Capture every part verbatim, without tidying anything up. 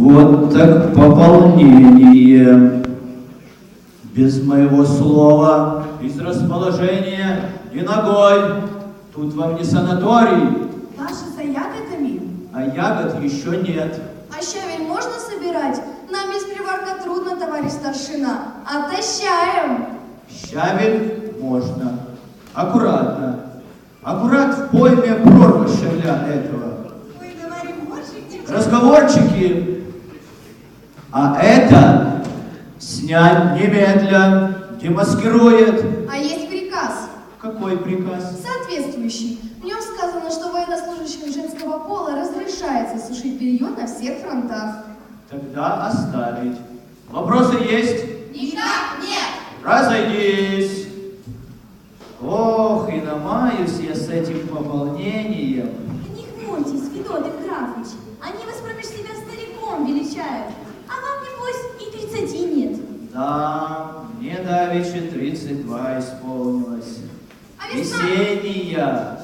Вот так пополнение. Без моего слова, без расположения, ни ногой. Тут вам не санаторий. Наши за ягодами? А ягод еще нет. А щавель можно собирать? Нам без приварка трудно, товарищ старшина. Отощаем. Щавель можно. Аккуратно. Аккурат в пойме прорва щавля этого. Мы говорим борщик. Разговорчики. А это снять немедля. Демаскирует. А есть приказ. Какой приказ? Соответствующий. В нем сказано, что военнослужащим женского пола разрешается сушить белье на всех фронтах. Тогда оставить. Вопросы есть? Никак нет. Разойдись. Ох, и намаюсь я с этим пополнением. Не хмурьтесь, Федот Евграфович. Они вас промеж себя стариком величают. А вам, небось, и тридцати нет. Да, мне давеча тридцать два исполнилось. А весна? Весенняя.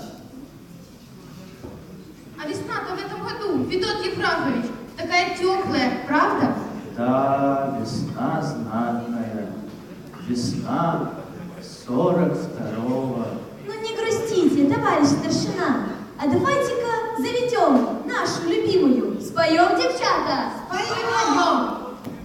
А весна-то в этом году, Федот Евграфович, такая теплая, правда? Да, весна знатная. Весна сорок второго. Ну не грустите, товарищ старшина. А давайте-ка заведем нашу любимую. Споем, девчата? Споем!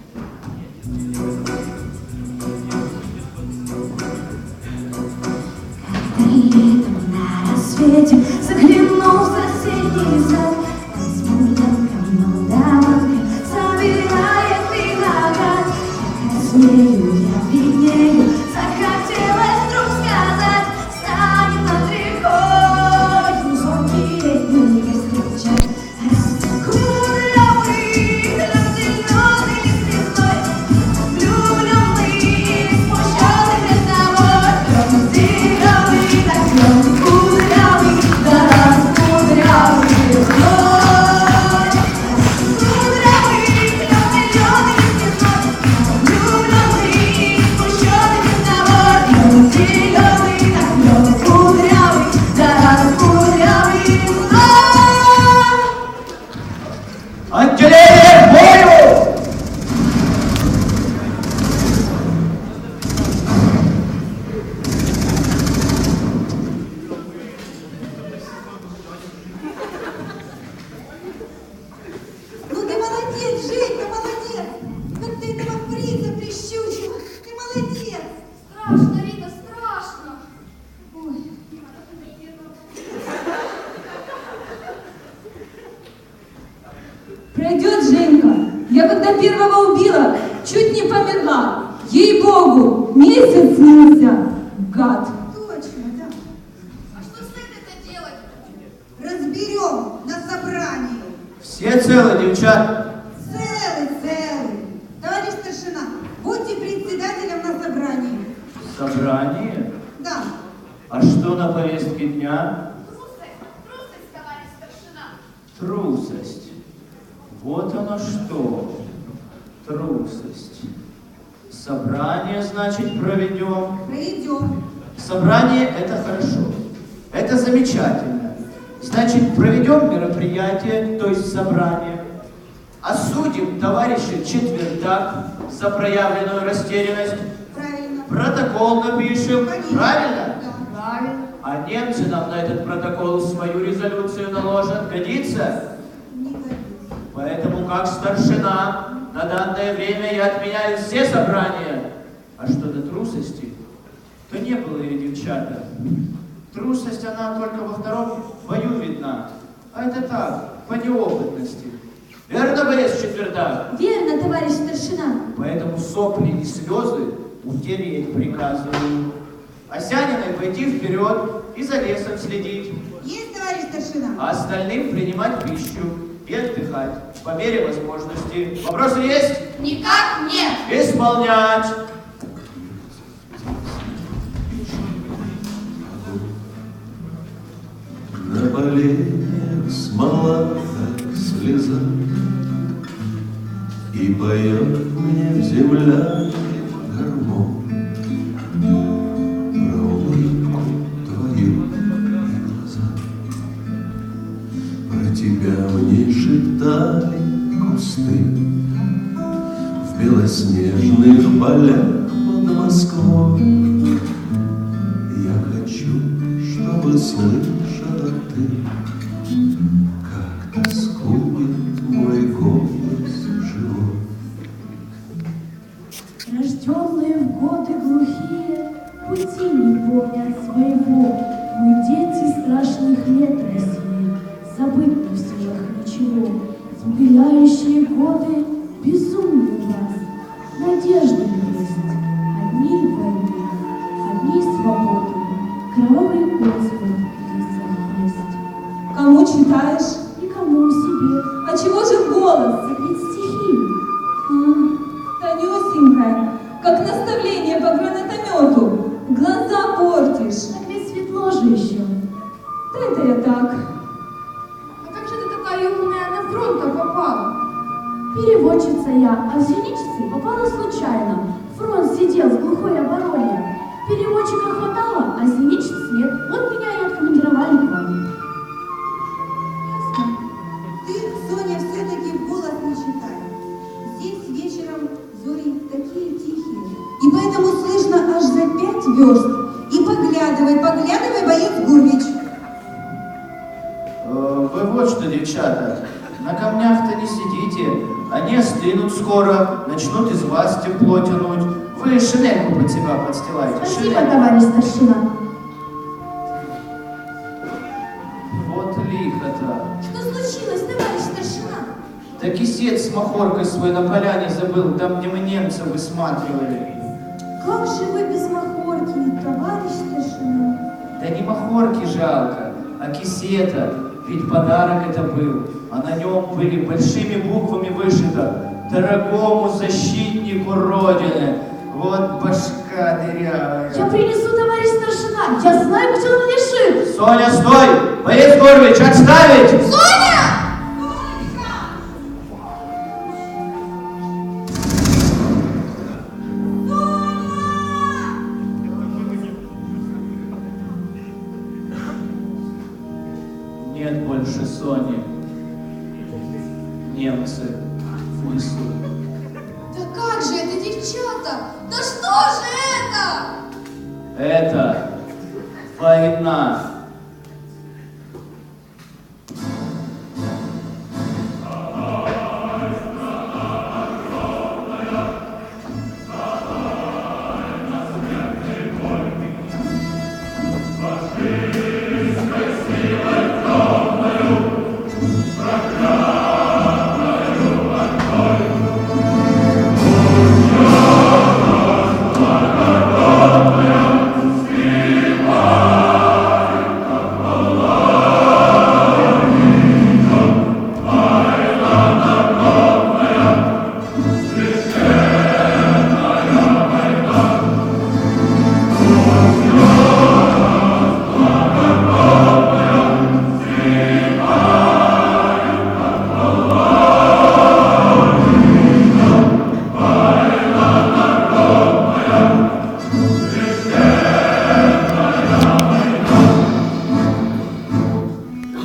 Летом на рассвете заглянул в соседний сад. Смуглянка, молдаванка собирает виноград. Как смею я виднею, захотелось вдруг сказать: станет над рекой звонкий летний встречать. Раскурявый, зеленый звездой, влюбленный, смущенный без тобой. Кудрявый, так он кудрявый, да раскудрявый звездой. Кудрявый, зеленый, зеленый звездой, влюбленный, смущенный без тобой. Зеленый, так он кудрявый, да раскудрявый звездой. Отделение к бою! Ну ты молодец, Женька, молодец! Как ты этого принца прищучила! Ты молодец! Страшно, Рита, страшно. Ой. Пройдет, Женька. Я когда первого убила, чуть не померла. Ей-богу, месяц снился. Гад. Точно, да. А что с этой-то делать? Разберем на собрании. Все целы, девчат? Целый, целый. Товарищ старшина, будьте председателем на собрании. Собрание? Да. А что на повестке дня? Трусость, трусость, товарищ старшина. Трусость. Вот оно что. Трусость. Собрание, значит, проведем. Проведем. Собрание – это хорошо. Это замечательно. Значит, проведем мероприятие, то есть собрание. Осудим товарища Четвертак за проявленную растерянность. Правильно. Протокол напишем. Конечно. Правильно? Да. Правильно. А немцы нам на этот протокол свою резолюцию наложат. Годится? Не годится. Поэтому, как старшина, на данное время я отменяю все собрания. А что до трусости, то не было ее, девчата. Трусость, она только во втором бою видна. А это так, по неопытности. Верно, Борис Четвертак? Верно, товарищ старшина. Поэтому сопли и слезы утереть приказываю. Осяниной пойти вперед и за лесом следить. Есть, товарищ старшина? А остальным принимать пищу и отдыхать по мере возможности. Вопросы есть? Никак нет. Исполнять. На поленьях смола, как слеза, и поет мне в землянке гармон про улыбку твою и глаза. Про тебя мне шептали кусты, снежных полях под Москвой. Я хочу, чтобы слышала ты, как тоскует мой голос живой. Рожденные в годы глухие, пути не помнят своего. Мы дети страшных лет России, забыть не в силах ничего. Смиряющие годы безумны в нас, надежды есть. Одни в войне, одни свободы, кровавый Господь в лицах есть. Кому читаешь? Никому себе, А чего же голос? так ведь стихи. М, Тонюсенькая, как наставление по гранатомету. Глаза портишь. Так ведь светло же еще. Да это я так. А как же ты такая умная на фронт-то попала? Переводчица я, а в зенитчицы попала случайно. Фронт сидел в глухой обороне. Переводчика хватало, а зенитчиц нет. Вот меня и откомандировали к вам. Ясно. Ты, Соня, все-таки в голос не читай. Здесь вечером зори такие тихие. И поэтому слышно аж за пять верст. И поглядывай, поглядывай, боец Гурвич. Э, Вы вот что, девчата, на камнях-то не сидите, они остынут скоро, начнут из вас тепло тянуть. Вы шинельку под себя подстилаете. Спасибо, шинельку. товарищ старшина. Вот лихо-то. Что случилось, товарищ старшина? Да кисет с махоркой свой на поляне забыл, там, где мы немцев высматривали. Как же вы без махорки, товарищ старшина? Да не махорки жалко, а кисета, ведь подарок это был, а на нем были большими буквами вышито «Дорогому защитнику Родины». Вот башка дырявая. Я принесу, товарищ старшина. Я знаю, где он лежит. Соня, стой! Борис Горович, отставить! Нет больше Сони. Немцы внесут. Да как же это, девчата? Да что же это? Это война.